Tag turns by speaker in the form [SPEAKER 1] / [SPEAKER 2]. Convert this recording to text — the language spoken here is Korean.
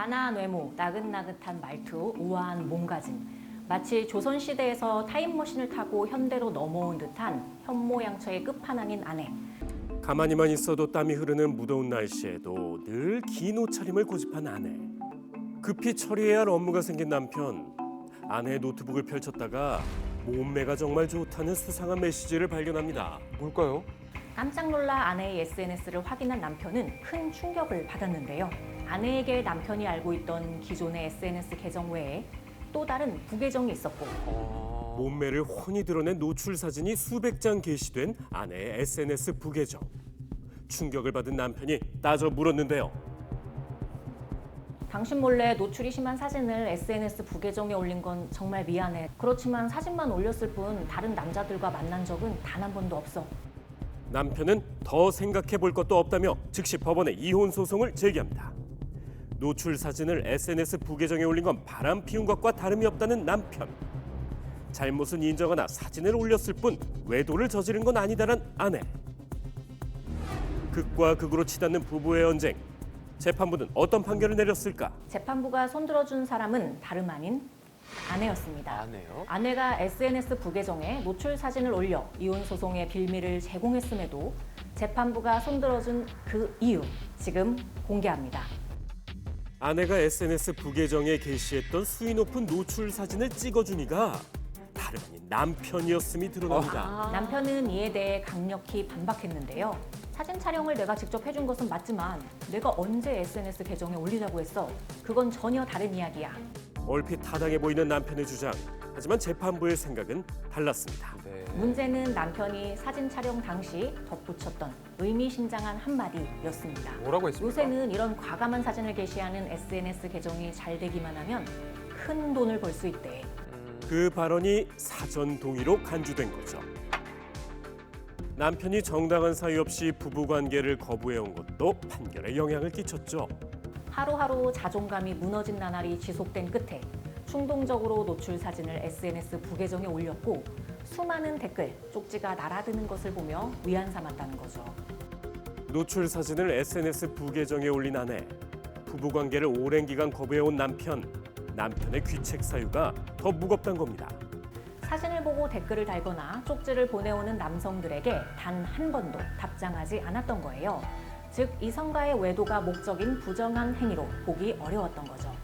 [SPEAKER 1] 단아한 외모, 나긋나긋한 말투, 우아한 몸가짐. 마치 조선시대에서 타임머신을 타고 현대로 넘어온 듯한 현모양처의 끝판왕인 아내.
[SPEAKER 2] 가만히만 있어도 땀이 흐르는 무더운 날씨에도 늘 긴 옷차림을 고집한 아내. 급히 처리해야 할 업무가 생긴 남편. 아내의 노트북을 펼쳤다가 몸매가 정말 좋다는 수상한 메시지를 발견합니다.
[SPEAKER 3] 뭘까요?
[SPEAKER 1] 깜짝 놀라 아내의 SNS를 확인한 남편은 큰 충격을 받았는데요. 아내에게 남편이 알고 있던 기존의 SNS 계정 외에 또 다른 부계정이 있었고
[SPEAKER 2] 몸매를 훤히 드러낸 노출 사진이 수백 장 게시된 아내의 SNS 부계정. 충격을 받은 남편이 따져 물었는데요.
[SPEAKER 1] 당신 몰래 노출이 심한 사진을 SNS 부계정에 올린 건 정말 미안해. 그렇지만 사진만 올렸을 뿐 다른 남자들과 만난 적은 단 한 번도 없어.
[SPEAKER 2] 남편은 더 생각해 볼 것도 없다며 즉시 법원에 이혼 소송을 제기합니다. 노출 사진을 SNS 부계정에 올린 건 바람 피운 것과 다름이 없다는 남편. 잘못은 인정하나 사진을 올렸을 뿐 외도를 저지른 건 아니다란 아내. 극과 극으로 치닫는 부부의 언쟁. 재판부는 어떤 판결을 내렸을까?
[SPEAKER 1] 재판부가 손들어준 사람은 다름 아닌 아내였습니다.
[SPEAKER 3] 아내요?
[SPEAKER 1] 아내가 SNS 부계정에 노출 사진을 올려 이혼 소송의 빌미를 제공했음에도 재판부가 손들어준 그 이유 지금 공개합니다.
[SPEAKER 2] 아내가 SNS 부계정에 게시했던 수위 높은 노출 사진을 찍어준 이가 다름 아닌 남편이었음이 드러납니다.
[SPEAKER 1] 남편은 이에 대해 강력히 반박했는데요. 사진 촬영을 내가 직접 해준 것은 맞지만 내가 언제 SNS 계정에 올리자고 했어? 그건 전혀 다른 이야기야.
[SPEAKER 2] 얼핏 타당해 보이는 남편의 주장. 하지만 재판부의 생각은 달랐습니다.
[SPEAKER 3] 네.
[SPEAKER 1] 문제는 남편이 사진 촬영 당시 덧붙였던 의미심장한 한마디였습니다.
[SPEAKER 3] 뭐라고 했습니까?
[SPEAKER 1] 요새는 이런 과감한 사진을 게시하는 SNS 계정이 잘 되기만 하면 큰 돈을 벌 수 있대.
[SPEAKER 2] 그 발언이 사전 동의로 간주된 거죠. 남편이 정당한 사유 없이 부부관계를 거부해온 것도 판결에 영향을 끼쳤죠.
[SPEAKER 1] 하루하루 자존감이 무너진 나날이 지속된 끝에 충동적으로 노출 사진을 SNS 부계정에 올렸고 수많은 댓글, 쪽지가 날아드는 것을 보며 위안 삼았다는 거죠.
[SPEAKER 2] 노출 사진을 SNS 부계정에 올린 아내. 부부관계를 오랜 기간 거부해온 남편. 남편의 귀책 사유가 더 무겁단 겁니다.
[SPEAKER 1] 사진을 보고 댓글을 달거나 쪽지를 보내오는 남성들에게 단 한 번도 답장하지 않았던 거예요. 즉 이성과의 외도가 목적인 부정한 행위로 보기 어려웠던 거죠.